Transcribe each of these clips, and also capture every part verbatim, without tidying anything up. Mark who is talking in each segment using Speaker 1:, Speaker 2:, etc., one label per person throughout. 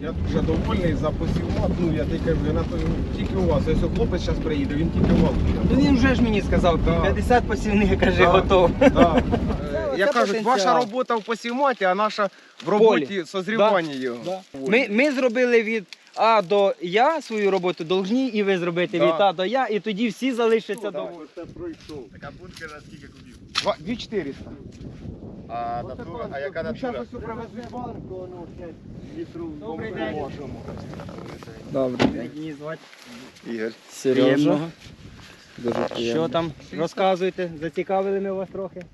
Speaker 1: Я дуже довольний за посівмат. Ну я тільки кажу, я на той, тільки у вас. Якщо хлопець зараз приїде, він тільки у вас.
Speaker 2: Ну він вже ж мені сказав,
Speaker 1: Да.
Speaker 2: п'ятдесят посівних, каже,
Speaker 1: Да.
Speaker 2: готов.
Speaker 1: Да.
Speaker 2: Це
Speaker 1: Я кажу,
Speaker 2: потенціал.
Speaker 1: ваша робота в посівматі, а наша в роботі созрівання його.
Speaker 2: Да. Ми, ми зробили від А до Я свою роботу, должні і ви зробити
Speaker 1: Да.
Speaker 2: від А до Я, і тоді всі залишаться
Speaker 1: Да.
Speaker 2: довольні.
Speaker 3: Це пройшов.
Speaker 4: Така бункера скільки кубів?
Speaker 1: Два- дві чотириста.
Speaker 4: А натура, а яка натура?
Speaker 1: Зараз ось привезли банку, ну, п'ять літрів
Speaker 2: Добрий
Speaker 1: бомби
Speaker 2: день.
Speaker 1: можемо.
Speaker 2: Добре. Як її звати?
Speaker 4: Ігор.
Speaker 2: Серйозно.
Speaker 3: Дуже
Speaker 2: Що там? Розказуйте, зацікавили ми вас трохи.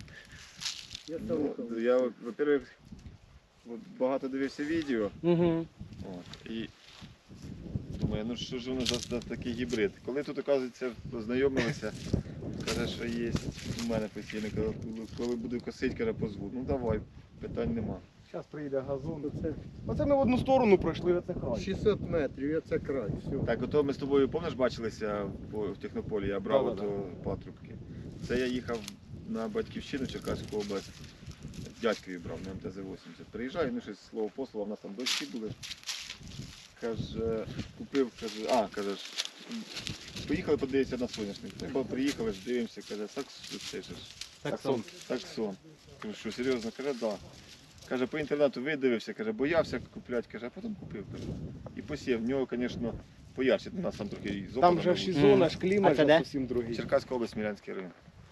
Speaker 4: Ну, я, во-первых, от багато дивився відео.
Speaker 2: Угу.
Speaker 4: От, і думаю, ну що ж воно за, за такий гібрид. Коли тут, оказується, познайомилися, каже, що є у мене постійно, коли, коли буду косити, каже, позву. Ну давай, питань нема.
Speaker 1: Зараз приїде газон. Оце ми в одну сторону пройшли, оце край.
Speaker 3: шістсот метрів, я це край. Все.
Speaker 4: Так, ото ми з тобою, пам'ятаєш, бачилися в, в Технополі, я брав
Speaker 1: Да-да-да.
Speaker 4: ото патрубки. Це я їхав на батьківщину Черкаську область, дядькові брав на М Т З вісімдесят. Приїжджаю, ну щось слово по слову, в нас там дочки були. Каже, купив, каже, а, каже, ж, поїхали подивитися на соняшник. Ну, бо приїхали, ж дивимося, каже, сакс, це ж,
Speaker 2: Таксон.
Speaker 4: таксон. Кажу, що серйозно, каже, да. Каже, по інтернету видивився, каже, боявся купляти, каже, а потім купив, каже. І посів. В нього, звісно, поярче, у нас там трохи і з
Speaker 1: Там
Speaker 4: опадом
Speaker 1: же
Speaker 4: був.
Speaker 1: ж і зона, ж
Speaker 2: А
Speaker 1: клімат
Speaker 2: це
Speaker 1: же
Speaker 2: де?
Speaker 1: зовсім другий.
Speaker 4: Черкаська область, Смілянський район.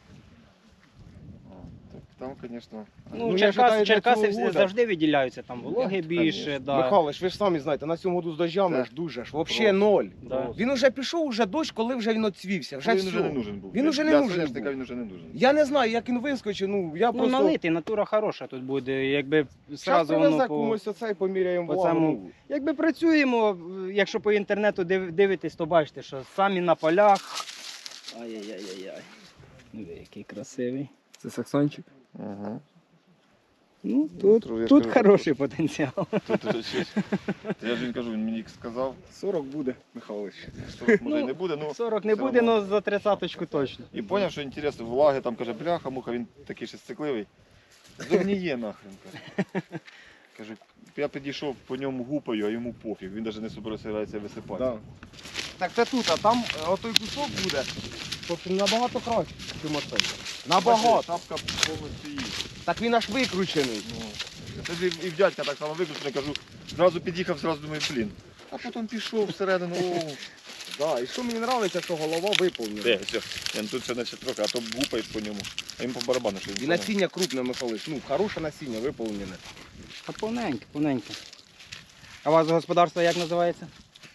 Speaker 4: О, так там, звісно,
Speaker 2: Ну,
Speaker 1: Ну, я
Speaker 2: Черкас,
Speaker 1: вважаю, для
Speaker 2: Черкаси
Speaker 1: цього
Speaker 2: всі
Speaker 1: года-
Speaker 2: завжди виділяються, там вологи
Speaker 4: Ну,
Speaker 2: більше.
Speaker 4: конечно.
Speaker 2: Да.
Speaker 1: Михайлович, ви ж самі знаєте, на цьому году з дощами
Speaker 4: Так.
Speaker 1: ж дуже ж, взагалі
Speaker 4: Просто.
Speaker 1: ноль.
Speaker 2: Да.
Speaker 1: Він уже пішов, уже дощ, коли вже він оцвівся, вже
Speaker 4: він
Speaker 1: все.
Speaker 4: вже не нужен був.
Speaker 1: Він уже не
Speaker 4: Для
Speaker 1: нужен
Speaker 4: соняшника
Speaker 1: був.
Speaker 4: він вже не нужен.
Speaker 1: Я не знаю, як він вискочив, ну я
Speaker 2: Ну,
Speaker 1: просто...
Speaker 2: налитий, натура хороша тут буде, якби
Speaker 1: Зараз
Speaker 2: зразу
Speaker 1: привезе
Speaker 2: воно по...
Speaker 1: комусь оце і поміряємо
Speaker 2: по
Speaker 1: влагу.
Speaker 2: цьому- Якби працюємо, якщо по інтернету див- дивитесь, то бачите, що самі на полях. Ай-яй-яй-яй. Ну, який красивий.
Speaker 3: Це саксончик?
Speaker 4: Ага.
Speaker 2: Ну, тут,
Speaker 4: Тру- я
Speaker 2: тут
Speaker 4: скажу,
Speaker 2: хороший потенціал.
Speaker 4: Тут, тут щось. Та я ж він кажу, він мені сказав,
Speaker 1: сорок буде, Михайлович.
Speaker 4: сорок може і
Speaker 2: Ну,
Speaker 4: не буде, ну.
Speaker 2: сорок не
Speaker 4: все
Speaker 2: буде,
Speaker 4: одно.
Speaker 2: але за тридцяточку точно.
Speaker 4: І зрозумів, що інтересно, влаги, там каже, бляха, муха, він такий ще цикливий. Зогніє нахрен, каже. Каже, я підійшов по ньому гупаю, а йому пофіг, він навіть не собирається висипати.
Speaker 1: Да. Так це тут, а там е, отой кусок буде, тобто набагато краще, ніж оцей. Набагато.
Speaker 4: Тапка повністю їсть.
Speaker 1: Так він аж викручений.
Speaker 4: Ну, це ж і в дядька так само виключено, кажу, зразу під'їхав, зразу думаю, блін. А потім пішов всередину, о,
Speaker 1: Да, і що мені подобається, що голова виповнена.
Speaker 4: де, все. Я, тут ще наче трохи, а то гупаєш по ньому, а йому по барабану, що він
Speaker 1: І
Speaker 4: поняв.
Speaker 1: насіння крупне, Михайлович, ну, хороше насіння виповнене.
Speaker 2: А повненьке, повненьке. А у вас господарство як називається?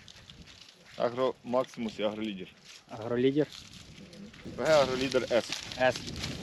Speaker 4: Агро Максимус і Агролідер.
Speaker 2: Агролідер.
Speaker 4: ПГ Агролідер С.
Speaker 2: С.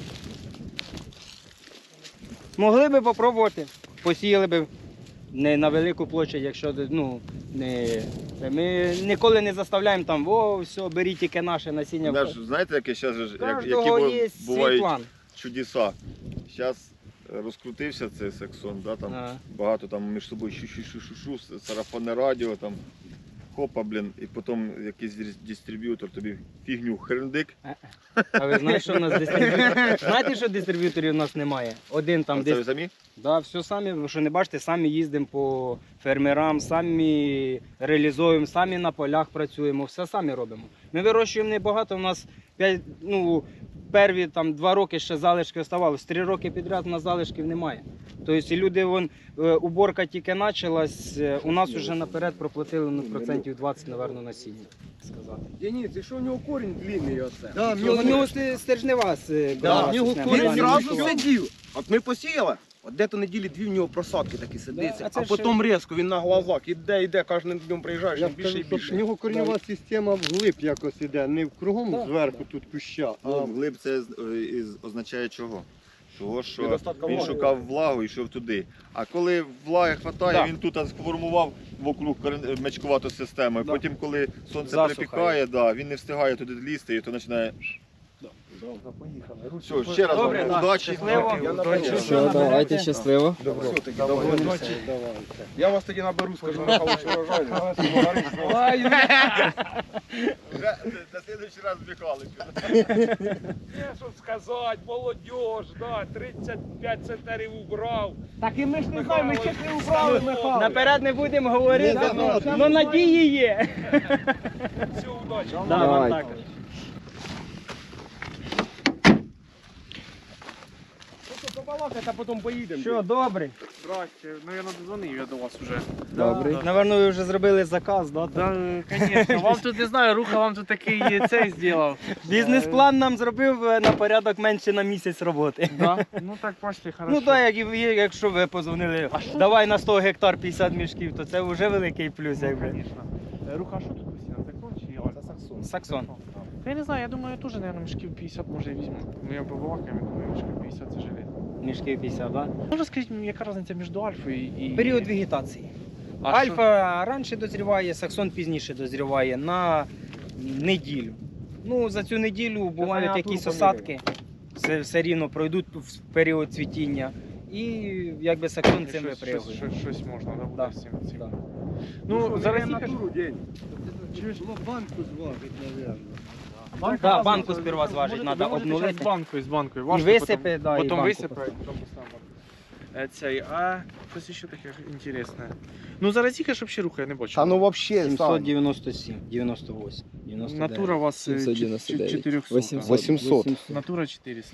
Speaker 2: Могли би попробувати. Посіяли би не на велику площадь, якщо ну, не. це Ми ніколи не заставляємо там, о, все, беріть тільки наше насіння.
Speaker 4: Знаєш, знаєте, яке зараз, як, які
Speaker 2: Кожного
Speaker 4: бу-
Speaker 2: є свій
Speaker 4: бувають
Speaker 2: план.
Speaker 4: чудеса. Зараз розкрутився цей сексон, да, там
Speaker 2: Ага.
Speaker 4: багато там між собою шу-шу-шу-шу-шу, сарафанне радіо, там хопа, блін, і потім якийсь дис- дистриб'ютор тобі фігню хрендик.
Speaker 2: А ви знаєте, що у нас дистриб'юторів? Знаєте, що дистриб'юторів у нас немає? Один там
Speaker 4: А це ви
Speaker 2: десь.
Speaker 4: самі?
Speaker 2: Да, все самі, ви що не бачите, самі їздимо по фермерам, самі реалізуємо, самі на полях працюємо, все самі робимо. Ми вирощуємо небагато, у нас п'ять, ну, перві там, два роки ще залишки оставалось, три роки підряд у нас залишків немає. Тобто люди, вон, е, уборка тільки почалась, е, у нас вже наперед проплатили ну, процентів двадцять, напевно, насіння. Сказати.
Speaker 1: Денис, і що у нього корінь длинний оце?
Speaker 3: Да,
Speaker 2: У нього, у нього сте- стержнева е,
Speaker 1: Да,
Speaker 2: брала
Speaker 1: в нього
Speaker 2: система,
Speaker 1: корінь
Speaker 2: да, не
Speaker 1: зразу
Speaker 2: вийшла.
Speaker 1: сидів. От ми посіяли, от де-то неділі дві в нього просадки такі сидиться,
Speaker 2: Да, а це
Speaker 1: а
Speaker 2: ж-
Speaker 1: потім різко він на глазах іде, іде, кожним днем приїжджаєш,
Speaker 3: Я
Speaker 1: він більше і
Speaker 3: скажу, що
Speaker 1: більше.
Speaker 3: в нього коренева система вглиб якось іде, не кругом
Speaker 2: Да.
Speaker 3: зверху тут куща, а
Speaker 4: Ну, глиб це е, із- означає чого? Того, що
Speaker 1: Недостатка
Speaker 4: він
Speaker 1: влаги.
Speaker 4: шукав влагу і йшов туди. А коли влаги вистачає,
Speaker 2: Да.
Speaker 4: він тут сформував вокруг корен- мечкувату систему.
Speaker 1: Да.
Speaker 4: Потім, коли сонце
Speaker 2: Засуха
Speaker 4: припікає, да, він не встигає туди лізти і то починає
Speaker 1: Поїхали.
Speaker 4: Все, ще раз
Speaker 2: Добре,
Speaker 4: вам
Speaker 2: да.
Speaker 4: удачі.
Speaker 2: Щасливо.
Speaker 1: Я
Speaker 2: Удачі.
Speaker 1: наберу.
Speaker 2: Все, давайте,
Speaker 3: щасливо.
Speaker 1: Добро.
Speaker 3: Давайте.
Speaker 1: Я вас тоді наберу, скажу на хороший урожай.
Speaker 2: Ой,
Speaker 4: Вже на слідуючий раз Михайлович.
Speaker 5: Є, що сказати, молодіж, да, тридцять п'ять центнерів убрав.
Speaker 2: Так і ми ж не знаємо, ми ще не
Speaker 5: убрали,
Speaker 2: убрали. Наперед не будемо говорити,
Speaker 3: Не забудьте.
Speaker 2: але надії є.
Speaker 5: Всю удачі.
Speaker 2: Да, вам
Speaker 3: Давайте.
Speaker 2: також.
Speaker 1: Побалакати, а потім поїдемо.
Speaker 2: Що, добре?
Speaker 5: Здрасте, ну я надзвонив я до вас вже.
Speaker 3: Добрий.
Speaker 2: Наверно, ви вже зробили заказ, да?
Speaker 5: Да, звісно, вам тут не знаю, Руха вам тут такий цей зробив.
Speaker 2: Бізнес-план нам зробив е, на порядок менше на місяць роботи.
Speaker 5: Да? Ну так, бачите, хорошо.
Speaker 2: Ну так, як, і ви- якщо ви позвонили, давай на сто гектар п'ятдесят мішків, то це вже великий плюс,
Speaker 5: Ну,
Speaker 2: якби.
Speaker 5: звісно. Е, Руха, а що тут постійно? Закон чи Альфа?
Speaker 1: Це Саксон.
Speaker 2: Саксон.
Speaker 5: Та я не знаю, я думаю, я теж, мабуть, мішків п'ятдесят може і візьму. Ми я побалакаємо, я думаю, мішків п'ятдесят це жилет.
Speaker 2: Мішків п'ятдесят, так?
Speaker 5: Ну розкажіть мені, яка різниця між Альфою і...
Speaker 2: Період вегетації.
Speaker 5: А
Speaker 2: Альфа раніше дозріває, саксон пізніше дозріває на неділю. Ну, за цю неділю бувають
Speaker 1: температуру
Speaker 2: якісь
Speaker 1: поміряємо.
Speaker 2: осадки, все, все рівно пройдуть в період цвітіння. І якби саксон
Speaker 5: що-
Speaker 2: цим
Speaker 5: щось, щось,
Speaker 2: випрягує.
Speaker 5: щось, щось можна, да, буде
Speaker 2: Да.
Speaker 5: з цим. цим.
Speaker 2: Да.
Speaker 5: Ну, зараз
Speaker 1: на
Speaker 5: їхаш...
Speaker 1: туру день.
Speaker 3: Ну, банку зважить, мабуть.
Speaker 2: Да, банку сперва зважить, треба обнулити.
Speaker 5: З банкою, з банкою.
Speaker 2: І
Speaker 5: Важко
Speaker 2: висипи,
Speaker 5: потім,
Speaker 2: да, і
Speaker 5: потім
Speaker 2: банку
Speaker 5: висипе,
Speaker 2: поставити.
Speaker 5: потім поставимо. Е, Цей, а щось ще таке інтересне. Ну зараз їхаш взагалі руха, я не бачу.
Speaker 1: Та ну вообще,
Speaker 2: сімсот дев'яносто сім, дев'яносто вісім, дев'яносто дев'ять.
Speaker 5: Натура у вас е,
Speaker 3: сімсот
Speaker 5: чет-
Speaker 3: дев'яносто
Speaker 5: чет-
Speaker 3: дев'ять.
Speaker 5: чотириста.
Speaker 3: вісімсот.
Speaker 1: вісімсот.
Speaker 5: Натура четыреста.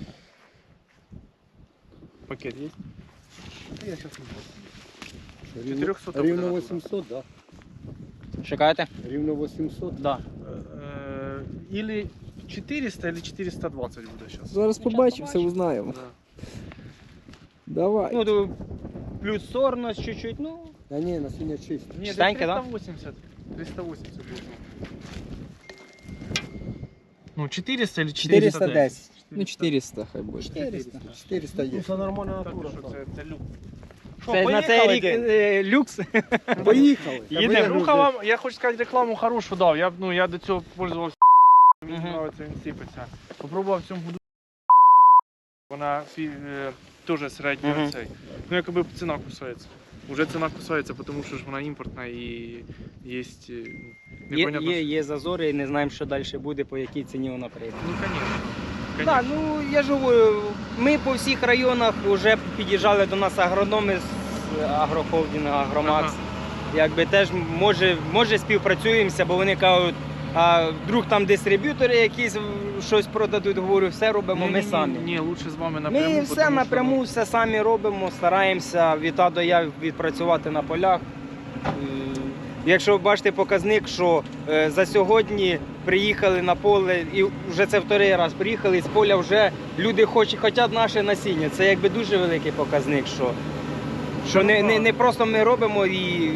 Speaker 5: Пакет є?
Speaker 1: Я щас не
Speaker 5: чотириста
Speaker 3: Рівно
Speaker 5: буде
Speaker 3: вісімсот, так?
Speaker 2: Шукаєте?
Speaker 3: Рівно вісімсот.
Speaker 2: Да.
Speaker 5: Е, Или четыреста, или четыреста двадцать буде зараз.
Speaker 3: Зараз побачимо, все узнаємо. Давай.
Speaker 2: Ну, то плюс сорність чуть-чуть, ну.
Speaker 3: Та ні, на сьогодні чисто.
Speaker 5: Ні,
Speaker 2: Чистеньке, да?
Speaker 5: триста вісімдесят. триста вісімдесят буде. Ну, четыреста или четыреста
Speaker 2: чотириста десять.
Speaker 3: Ну, чотириста хай буде.
Speaker 2: чотириста.
Speaker 3: чотириста є.
Speaker 1: Це нормальна
Speaker 5: Та ти
Speaker 1: натура.
Speaker 5: що, це, це люк.
Speaker 2: Це на цей рік е, люкс.
Speaker 3: Поїхали.
Speaker 5: Їде, руха вам, я хочу сказати, рекламу хорошу дав. Я, ну, я до цього пользувався. Мені
Speaker 2: Мгм.
Speaker 5: подобається, він сипеться. Попробував в цьому году. Вона фі- е, теж середньо
Speaker 2: Мгм.
Speaker 5: цей. Ну, якби ціна кусається. Уже ціна кусається, тому що ж вона імпортна і є е,
Speaker 2: Є,
Speaker 5: непонятно.
Speaker 2: є, є зазори і не знаємо, що далі буде, по якій ціні вона прийде.
Speaker 5: Ну, звісно.
Speaker 2: Так, ну я ж говорю, ми по всіх районах вже під'їжджали до нас агрономи з агрохолдингу, Агромакс.
Speaker 5: Ага.
Speaker 2: Якби теж може, може співпрацюємося, бо вони кажуть, а вдруг там дистриб'ютори якісь щось продадуть, говорю, все робимо ми самі.
Speaker 5: Ні, лучше з вами напряму.
Speaker 2: Ми
Speaker 5: тому
Speaker 2: все
Speaker 5: що,
Speaker 2: напряму, все самі робимо, стараємося від А до Я відпрацювати на полях. Е, Якщо ви бачите показник, що е, за сьогодні приїхали на поле, і вже це вторий раз приїхали з поля, вже люди хочуть, хочуть наше насіння. Це якби дуже великий показник, що, що не, не, не просто ми робимо і.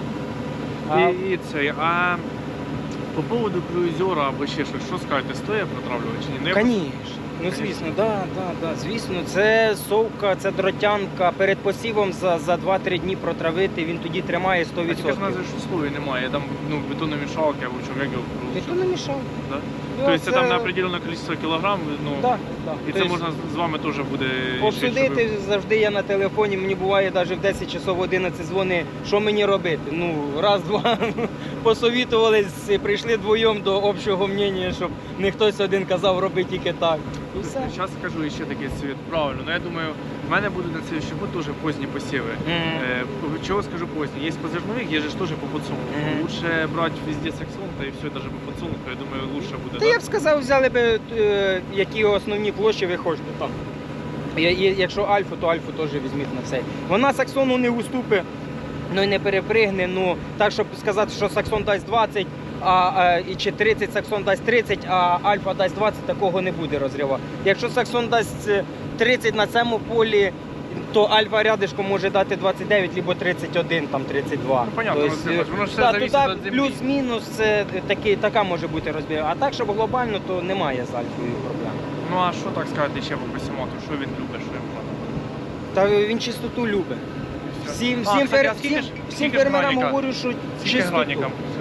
Speaker 2: А,
Speaker 5: І, і це, а по поводу круїзера або ще щось, що скажете, стоїть протравлювати чи ні? Ну, я
Speaker 2: Звісно, ну звісно, да, да, да, звісно, це совка, це дротянка. Перед посівом за, за два-три дні протравити, він тоді тримає сто
Speaker 5: А тільки ж
Speaker 2: відсотків.
Speaker 5: у нас же ж условий немає, там ну, бетономішалки або чого, як його
Speaker 2: Ти то
Speaker 5: пролучити.
Speaker 2: не мішав.
Speaker 5: Да?
Speaker 2: Ну,
Speaker 5: Тобто це
Speaker 2: це-
Speaker 5: там на определенне кількість кілограм, ну,
Speaker 2: Да, да.
Speaker 5: і це
Speaker 2: Тобто
Speaker 5: можна з вами теж буде
Speaker 2: обсудити
Speaker 5: щоб ви-
Speaker 2: завжди я на телефоні, мені буває навіть в десять часов одинадцять дзвони, що мені робити. Ну, раз, два, посовітувались, і прийшли двоєм до общого мнення, щоб не хтось один казав, роби тільки так. І все.
Speaker 5: Зараз скажу ще такий світ. Правильно, ну я думаю, в мене будуть на цей год теж позні посіви.
Speaker 2: Мгм.
Speaker 5: Е, Чого скажу поздні? Є по зернових, є же ж теж по подсолнуху.
Speaker 2: Мгм.
Speaker 5: Лучше брати везде саксон, та і все, навіть по подсолнуху, я думаю, лучше буде.
Speaker 2: Та
Speaker 5: да?
Speaker 2: я б сказав, взяли б, е, які основні площі ви хочете там. Я- я- Якщо альфу, то альфу теж візьміть на все. Вона саксону не уступить, ну і не перепригне. Ну так, щоб сказати, що саксон дасть двадцять, а, а і чи тридцять, саксон дасть тридцять, а альфа дасть двадцять, такого не буде розриву. Якщо саксон дасть е, тридцять на цьому полі, то альфа рядишком може дати двадцять дев'ять, або тридцять один, там тридцять два.
Speaker 5: Ну, понятно,
Speaker 2: Тобто,
Speaker 5: Василь Іванович, воно ж все
Speaker 2: да,
Speaker 5: зависить
Speaker 2: туди
Speaker 5: від землі.
Speaker 2: плюс-мінус це такий, така може бути розбір. А так, щоб глобально, то немає з альфою проблем.
Speaker 5: Ну а що так сказати ще по посімату? Що він любить, що йому треба?
Speaker 2: Та він чистоту любить.
Speaker 5: І все.
Speaker 2: Всім,
Speaker 5: А,
Speaker 2: всім,
Speaker 5: кстати,
Speaker 2: фер...
Speaker 5: а скільки
Speaker 2: всім,
Speaker 5: ж-
Speaker 2: всім
Speaker 5: скільки ж
Speaker 2: фермерам
Speaker 5: граніка?
Speaker 2: говорю, що
Speaker 5: Скільки
Speaker 2: чистоту.
Speaker 5: гранікам?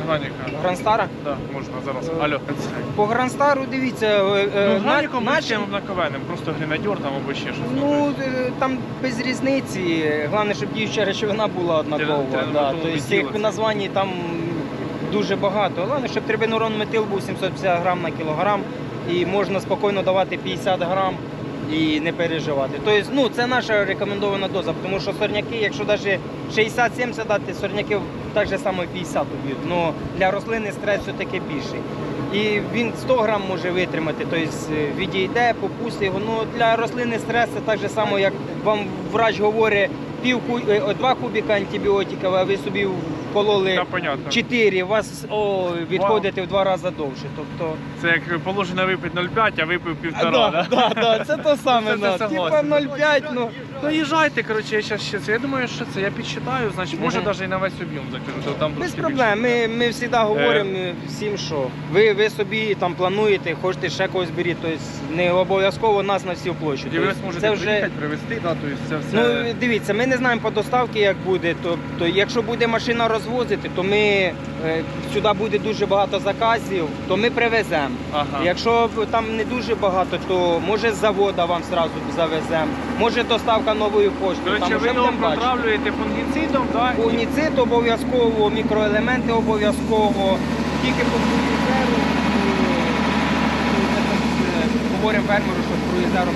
Speaker 5: Граніка.
Speaker 2: Гранстара?
Speaker 5: Да, можна зараз.
Speaker 2: Е,
Speaker 5: Алло.
Speaker 2: По Гранстару дивіться, е, е,
Speaker 5: Ну, Граніком
Speaker 2: на-
Speaker 5: ми
Speaker 2: наші-
Speaker 5: чим однаковенним, просто гренадьор там або ще щось.
Speaker 2: Ну, е, там без різниці. Головне, щоб діюча речовина була однакова.
Speaker 5: Треба-
Speaker 2: Да.
Speaker 5: треба
Speaker 2: Тобто
Speaker 5: було
Speaker 2: цих
Speaker 5: відділити.
Speaker 2: названь там дуже багато. Головне, щоб трибенурон метил був сімсот п'ятдесят грам на кілограм і можна спокійно давати п'ятдесят грам і не переживати. Тобто, ну, це наша рекомендована доза, тому що сорняки, якщо навіть шістдесят-сімдесят дати, сорняки так же само п'ятдесят уб'ють. Ну, для рослини стрес все-таки більший. І він сто грам може витримати, тобто відійде, попустить його. Ну, для рослини стрес це так же само, як вам врач говорить, пів ку... е, два кубіка антибіотиків, а ви собі вкололи
Speaker 5: Та понятно.
Speaker 2: чотири, у вас о, відходите в два рази довше. Тобто,
Speaker 5: Це як положено випити нуль п'ять, а випив півтора,
Speaker 2: да,
Speaker 5: да?
Speaker 2: да, да, це то саме.
Speaker 5: Це- це
Speaker 2: да. Типа
Speaker 5: согласен.
Speaker 2: нуль п'ять, ну.
Speaker 5: Ну їжджайте, коротше, я зараз ще це. Я думаю, що це. Я підсчитаю, значить, може
Speaker 2: Мгм.
Speaker 5: навіть і на весь об'єм закину. то Там
Speaker 2: Без
Speaker 5: трошки
Speaker 2: проблем.
Speaker 5: більше.
Speaker 2: Ми, ми завжди говоримо всім, що ви, ви собі там плануєте, хочете ще когось беріть, тобто не обов'язково нас на всю площу.
Speaker 5: І ви
Speaker 2: Тобто
Speaker 5: зможете
Speaker 2: це вже...
Speaker 5: приїхати, привезти, да, тобто це все.
Speaker 2: Ну дивіться, ми не знаємо по доставці, як буде. Тобто, якщо буде машина розвозити, то ми е, сюди буде дуже багато заказів, то ми привеземо.
Speaker 5: Ага.
Speaker 2: Якщо б там не дуже багато, то може з завода вам зразу завеземо, може доставка новою поштою.
Speaker 5: Коротше,
Speaker 2: там
Speaker 5: ви
Speaker 2: вже
Speaker 5: його
Speaker 2: будемо бачити.
Speaker 5: протравлюєте фунгіцидом, да? і-
Speaker 2: Фунгіцид обов'язково, мікроелементи обов'язково, тільки по круїзеру, говоримо фермеру, що з круїзером.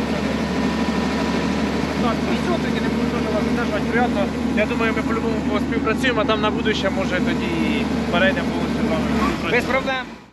Speaker 5: Так, ну все, тоді не буду дуже вас задержувати. Приятно. Я думаю, ми по-любому співпрацюємо, а там на будущее, може, тоді перейдемо повністю з вами.
Speaker 2: Без проблем.